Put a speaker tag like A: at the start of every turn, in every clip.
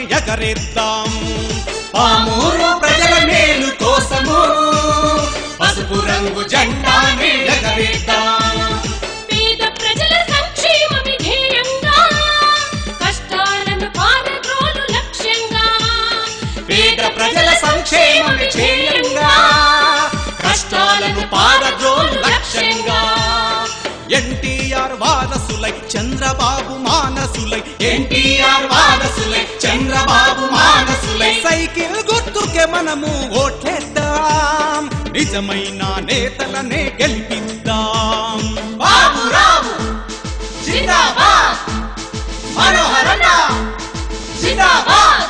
A: ఎగరేద్దాం పామూరు ప్రజల మేలు కోసము పసుపు రంగు జెండానే ఎగరేద్దాం
B: పేద ప్రజల సంక్షేమమే ధ్యేయంగా కష్టాలను పారద్రోలు లక్ష్యంగా
A: పేద ప్రజల సంక్షేమమే ధ్యేయంగా కష్టాలను పారద్రోలు లక్ష్యంగా ఎన్టీఆర్ వారసులై చంద్రబాబు మానసులై ఎన్టీఆర్ వారసులై చంద్రబాబు మానసులై సైకిల్ గుర్తుకే మనము ఓట్లేద్దాం నిజమైన నేతలనే గెలిపిద్దాం బాబురావు జిందాబాద్ మనోహరన్న జిందాబాద్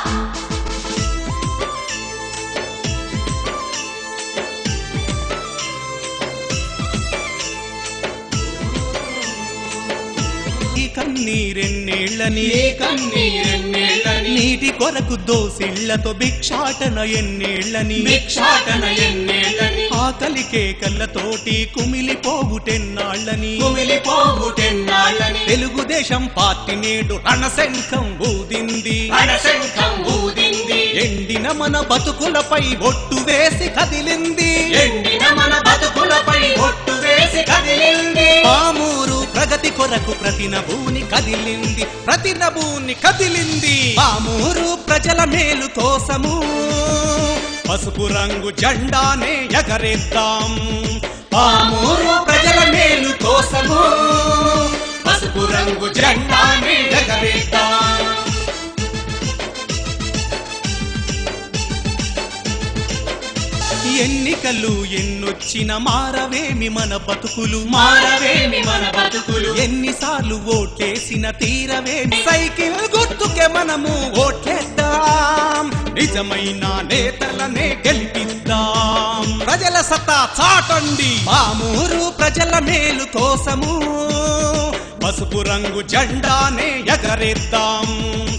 A: కన్నీరెన్నేళ్ళని నీటి కొరకు దోసిళ్లతో భిక్షాటన ఎన్నేళ్ళని ఆకలికే కళ్ళతోటి కుమిలిపోవుటెన్నాళ్ళని తెలుగుదేశం పార్టీ నేడు రణశంఖం ఊదింది ఎండిన మన బతుకులపై ఒట్టు వేసి కదిలింది పామూరు ప్రగతి కొరకు ప్రతి నభూని కదిలింది పామూరు ప్రజల మేలు కోసము పసుపు రంగు జెండానే ఎగరేద్దాం పామూరు ప్రజల మేలు కోసము పసుపు రంగు జెండానే ఎగరేద్దాం ఎన్నికలు ఎన్నొచ్చిన మారవేమి మన బతుకులు ఎన్నిసార్లు ఓట్లేసిన తీరవేమి సైకిల్ గుర్తుకే మనము ఓట్లేద్దాం నిజమైన నేతలనే గెలిపిద్దాం ప్రజల సత్తా చాటండి పామూరు ప్రజల మేలు కోసము పసుపు రంగు జెండానే ఎగరేద్దాం